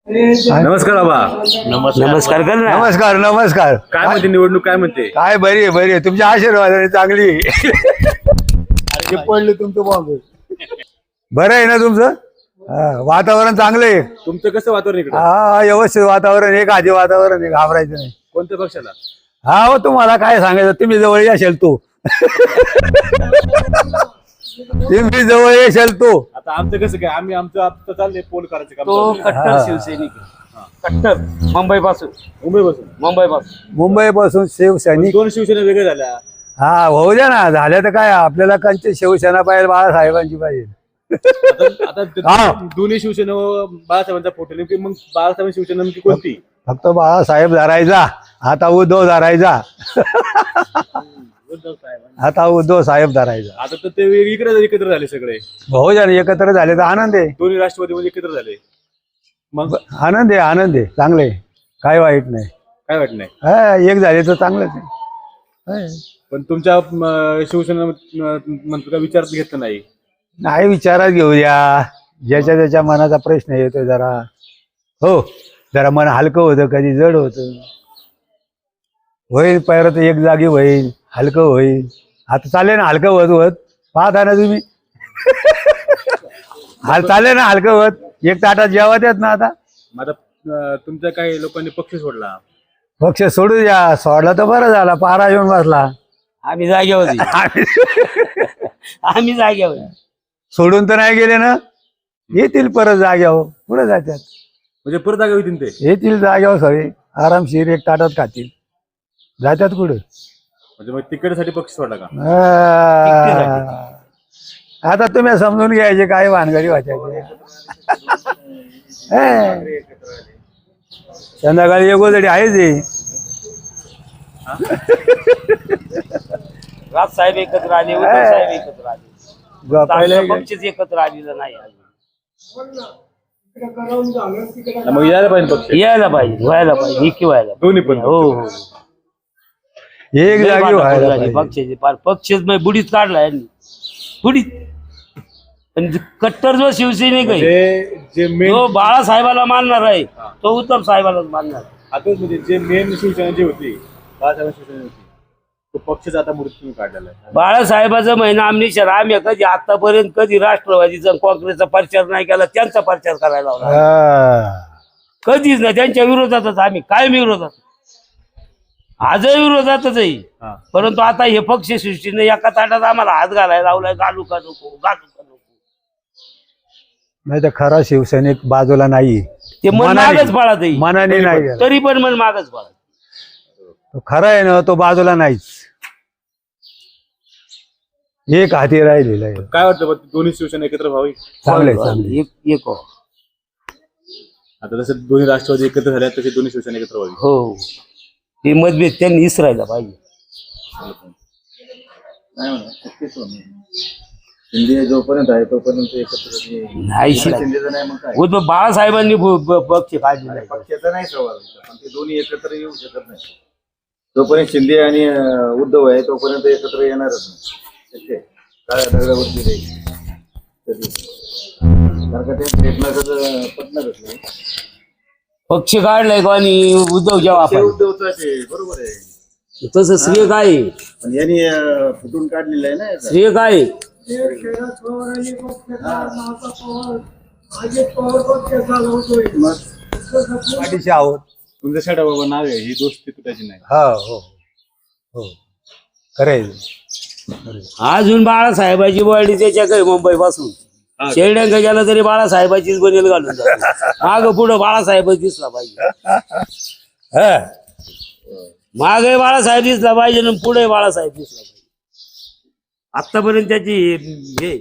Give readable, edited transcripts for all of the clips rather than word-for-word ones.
नमस्कार बाबा. नमस्कार कर ना. नमस्कार नमस्कार. काय म्हणते निवडणूक, काय म्हणते? काय बरी आहे बरी आहे, तुमच्या आशीर्वादाने चांगली आहे. अरे पडले तुमचं बॉम्ब. बरं आहे ना तुमचं? वातावरण चांगलं आहे. तुमचं कसं वातावरण इकडे? हा व्यवस्थित वातावरण आहे, आधी वातावरण आहे, घाबरायचं नाही. कोणत्या पक्षाला? हा हो, तुम्हाला काय सांगायचं, तुम्ही जवळ येशाल तो. तुम्ही जवळ येशाल तो. आता आमचं कसं काय, आम्ही आमचं आता चाललंय पोल करायचं काम तो चाललंय. कट्टर शिवसैनिक आहे. कट्टर मुंबईपासून मुंबईपासून शिवसैनिक. दोन शिवसेना वेगळ्या झाल्या. हा होऊ द्या ना, झाल्या तर काय, आपल्याला कंची शिवसेना पाहिजे, बाळासाहेबांची पाहिजे. आता दोन्ही शिवसेना बाळासाहेबांचा फोटो नेमकी, मग बाळासाहेब शिवसेना नेमकी कोणती? फक्त बाळासाहेब धरायचा, आता उद्धव धरायचा. आता उद्धव साहेब धरायचा. आता तर ते इकडे एकत्र झाले सगळे. भाऊ जण एकत्र झाले तर आनंद आहे. दोन्ही राष्ट्रवादी मध्ये एकत्र झाले, मग आनंद आहे, आनंद आहे, चांगले, काय वाईट नाही. काय वाटत नाही. एक झाले तर चांगलंच आहे. पण तुमच्या शिवसेना मंत्री का विचारात घेतलं नाही? नाही, विचारात घेऊ द्या, ज्याच्या त्याच्या मनाचा प्रश्न येतो जरा. हो, जरा मन हलकं होतं, कधी जड होतं. होईल परत एक जागी होईल, हलकं होईल. आता चालेल ना हलकं होत होत, पाहता ना तुम्ही. चालेल ना हलकं होत, एक ताटात जेवत येत ना. आता आता तुमच्या काही लोकांनी पक्ष सोडला. पक्ष सोडू द्या, सोडला तर बरं झाला, पारा येऊन बसला. आम्ही जाग्यावर आम्ही जाग्यावर सोडून तर नाही गेले ना, येतील परत जाग्यावर, पुढे जातात. म्हणजे परत जागा होतील ते. येतील जाग्यावर सगळे आरामशीर एक ताटात खातील, जातात कुठे. म्हणजे मग तिकडसाठी पक्ष सोडला का? आता तुम्ही समजून घ्यायचे, काय भानगडी वाचायचे. संध्याकाळी एक गोधडी आहेच. राज साहेब एकत्र आले, उद्धव साहेब एकत्र आले, पक्षच एकत्र आलेलं नाही. मग यायला पाहिजे पक्ष. यायला पाहिजे, व्हायला पाहिजे, एकी व्हायला दोन्ही पण. हो हो. एक जागी व्हायला पाहिजे. पक्षाचे पार पक्षच बुडीत काढला यांनी, बुडीत. पण कट्टर जो शिवसैनिक आहे, जे मेन तो बाळासाहेबाला मानणार आहे, तो उत्तम साहेबालाच मानणार. आता म्हणजे जे मेन शिवसेना जी होती, बाळासाहेब शिवसेना होती, तो पक्षच आता मृत्यू काढलेला आहे. बाळासाहेबाचं महिना आमनेश्वर, आम्ही कधी आतापर्यंत कधी राष्ट्रवादीचा काँग्रेसचा प्रचार नाही केला, त्यांचा प्रचार करायला लावला. कधीच नाही, त्यांच्या विरोधातच आम्ही कायम विरोधात, आजही विरोधातच आहे. परंतु आता हे पक्ष सृष्टीने एका ताटात आम्हाला हात घालायला लावलाय, घालू का नको, घालू का नको. नाही तर खरा शिवसैनिक बाजूला नाही, ते मन मागच पळत आहे, मनाने नाही. तरी पण मन मागच पळत. खरं आहे ना, तो बाजूला नाहीच, एक हाती राहिलेला आहे. काय वाटतं दोन्ही शिवसेना एकत्र व्हावी? चांगले चांगले. एक आता जसं दोन्ही राष्ट्रवादी एकत्र झाल्या, तसे दोन्ही शिवसेना एकत्र व्हावी. हो, ते मतभेद त्यांनी इसरायला पाहिजे. शिंदे जोपर्यंत आहे तोपर्यंत एकत्र नाही, उद्धव बाळासाहेबांनी पक्ष काढले, पक्षाचा नाही सवाल, पण ते दोन्ही एकत्र येऊ शकत नाही. जोपर्यंत शिंदे आणि उद्धव आहे तोपर्यंत एकत्र येणारच नाही. काळ्या दगडावरती राहील कधी, कारण का ते एकमेकांचं पटणारच नाही. पक्ष काढलाय कोणी, उद्धव जेव्हा उद्धवच आहे, बरोबर आहे, तसं श्रेय काय आहे? पण यांनी फुटून काढलेलं आहे ना. श्रेय काय आहे? पाठीशी आहोत. तुमचं शेडा बाबा नाव आहे, ही दोस्ती तुटायची नाही. हा हो हो, खरंय. अजून बाळासाहेबाची बॉडी त्याच्याकडे मुंबई पासून शेरड्यांका गेला तरी बाळासाहेबाचीच बनेल घालून माग पुढं बाळासाहेबच दिसला पाहिजे. मागे बाळासाहेब दिसला पाहिजे आणि पुढे बाळासाहेब दिसला पाहिजे. आतापर्यंत त्याची हे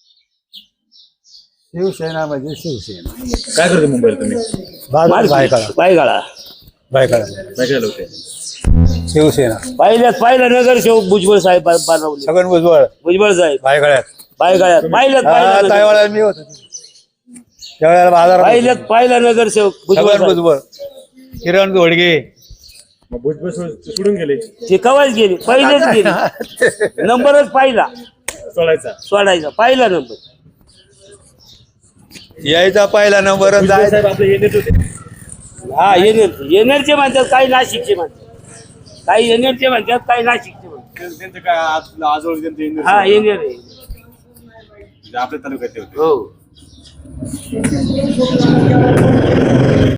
शिवसेना म्हणजे शिवसेना. काय करते मुंबईला तुम्ही? पायगाळा काय केलं होते? शिवसेना पहिला नगरसेवक भुजबळ साहेब बनवले. छगन भुजबळ साहेब पायगळ्यात पाहिल्यात मी होतो त्यावेळेला बाजारात. पहिला नगरसेवक भुजबळ, किरण घोडगे. मग भुजबळ सोडून गेले, ते कवाच गेले, पहिलेच गेले. नंबरच पाहिला सोडायचा पहिला नंबर. यायचा पहिला नंबर आणि भुजबळ जायचा. साहेब आपले येणेच होते. हा येणेरचे म्हणतात, काही नाशिकचे म्हणतात, काही येणेरचे म्हणतात, काही नाशिकचे म्हणतात. त्यांचं काय आजवळ त्यांचं येणेच हा होते. येणेर आहे. आपल्या तालुक्यात ते होते. हो